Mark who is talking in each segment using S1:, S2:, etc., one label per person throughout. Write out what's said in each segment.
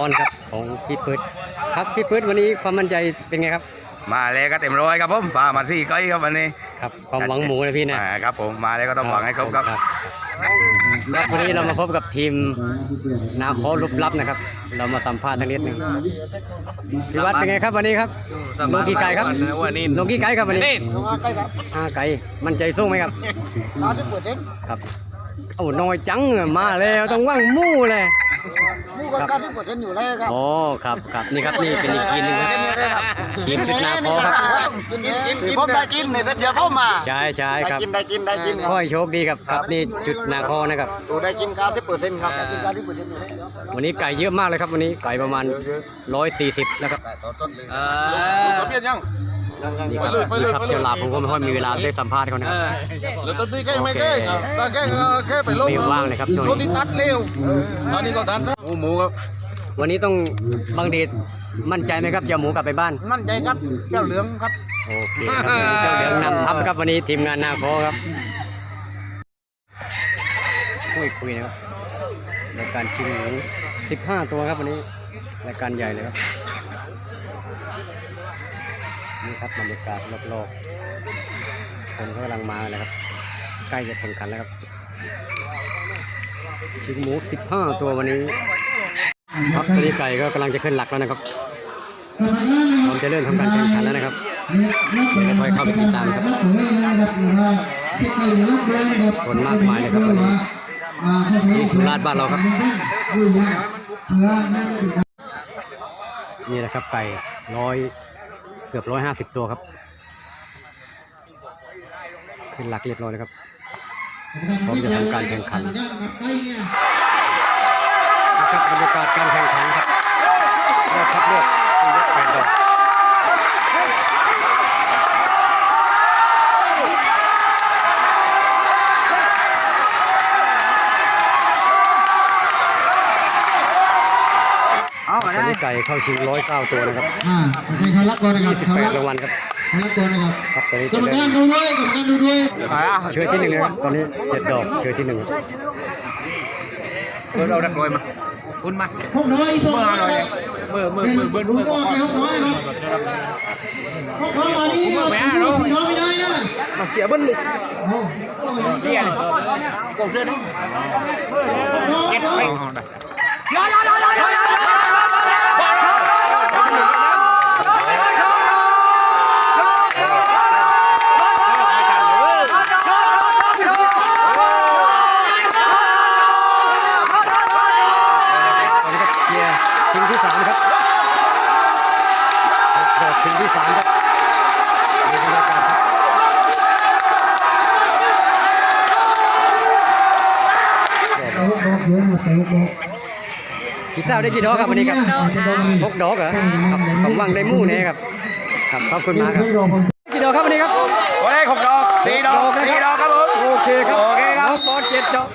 S1: อนครับของพี่ปื๊ดครับพี่ปื๊ดวันนี้ความมั่นใจเป็นไงครับ
S2: มาเลยก็เต็มร้อยครับผมพามา4 ไก่ครับวันนี้
S1: ครับความหวังหมูนะพี่
S2: นะครับผมมาเลยก็ต้องหวังให้ครบครับ
S1: วันนี้เรามาพบกับทีมนาคอลุบลับนะครับเรามาสัมภาษณ์สักนิดหนึ่งพี่วัดเป็นไงครับวันนี้ครับลงกี่ไก่ครับลงกี่ไก่ครับวันนี้5 ไก่มั่นใจสู้ไหมครับครับโอ้น้อยจังมาแล้วต้องว่างมู่เลย
S3: มู่ก็90%อยู่แล้วครับ
S1: โอ้ครับนี่ครับนี่เป็นอีกทีมนึงครับทีมชุดนาคอครับ
S3: ที่ผมได้กินเนี่ยเดี๋ยวเข้ามา
S1: ใช่ครับ
S3: ได้กิน
S1: ค่อยโชคดีครับนี่จุดนาคอนะครับ
S3: ตัวได้กิน90%ครับได้กิน90%อยู่แล้ว
S1: วันนี้ไก่เยอะมากเลยครับวันนี้ไก่ประมาณ140นะครับ
S3: สำเร็จยัง
S1: นี่ครับเจ้าลาผมก็ไม่ค่อยมีเวลาได้สัมภาษณ์เขานะครับ
S3: แล้วตอนนี้แก้ไม่แก้ตอนแก้ไปลง
S1: ไม่ว่างเลยครับช่วงนี้
S3: ตัดเร็วตอนนี้ก็ตัด
S1: หมูครับวันนี้ต้องบังเดชมั่นใจไหมครับจะหมูกลับไปบ้าน
S3: มั่นใจครับเจ้าเหลืองครับ
S1: โอเคครับเจ้าเหลืองนำทัพครับวันนี้ทีมงานนาคอครับคุยนะครับรายการชิงหมู15 ตัวครับวันนี้รายการใหญ่เลยครับนี่ครับบรรยากาศรอบๆคนก็กำลังมาเลยครับใกล้จะแข่งขันแล้วครับชิงหมู15 ตัววันนี้ครับตอนนี้ไก่ก็กำลังจะขึ้นหลักแล้วนะครับผมจะเริ่มทำการแข่งขันแล้วนะครับจะค่อยเข้าไปติดตามครับคนมากมายเลยครับวันนี้ที่สุราษฎร์บ้านเราครับนี่แหละครับไก่เกือบ150 ตัวครับขึ้นหลักเรียบร้อยเลยครับพร้อมจะทำการแข่งขันนะครับบรรยากาศการแข่งขันครับคัดเลือก8 ดอกตอนนี้ไก่เข้าชิง109 ตัวนะครับ
S3: ใครเขารักก่อนนะครับ
S1: 28 รางวัลครับ
S3: รักก่อนนะครับ
S1: ครับตอนนี้
S3: กรรมการดูด้วย
S1: เชื้อที่1เลยครับตอนนี้7 ดอกเชื้อที่1
S2: เราดักรวยมาคุณมา
S3: พวกน้อยส่งมาเลย
S2: เมื่อ
S3: ดูก็ให้พวกน้อยครับพวกน้อยมานี่น้อยไม่ได้นะ
S2: มาเสียเบิ้ลเลยเสียเลยกดเสื้อด้วยเก็บไป
S1: ชิงที่ 3ครับดอกชิงที่ 3ครับมีบรรยากาศครับพี่สาวได้กี่ดอกครับวันนี้ครับ6 ดอกเหรอครับผมวังได้มู่แน่ครับครับขอบคุณมากครับกี่ดอกครับวันนี้ครับ
S2: วันนี้6 ดอก4 ดอก4 ดอกครับผม
S1: โอเคครับน้องบอล7 ดอก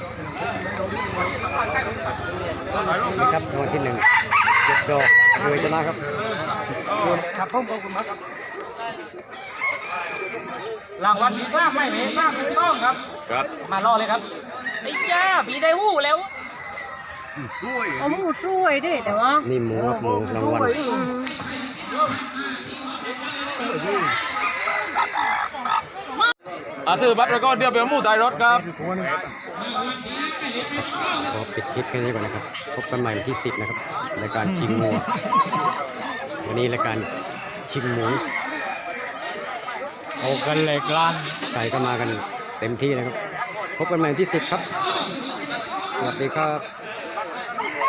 S1: นี่ครับรางวัลที่ 1 7 ดอกช่วยชนะครับ
S3: ครับผมขอบคุณมากครับ
S4: รางวัลที่ทราบไม่เห็นทราบถูกต้องครับมารอเลยครับไอ้จ้าผีได้หู้แล้ว
S5: เอาหมูช่วยดิแต่ว่า
S1: นี่หมูครับหมูรางวัล
S2: ถือบัตรแล้วก็เดี๋ยวไปมู่ใต้รถครับ
S1: ขอปิดคลิปแค่นี้ก่อนนะครับพบกันใหม่วันที่10นะครับรายการชิงหมูวันนี้รายการชิงหมู
S4: โอ้กันเหล็กล้าน
S1: ไก่ก็มากันเต็มที่นะครับพบกันใหม่วันที่10ครับสวัสดีครับ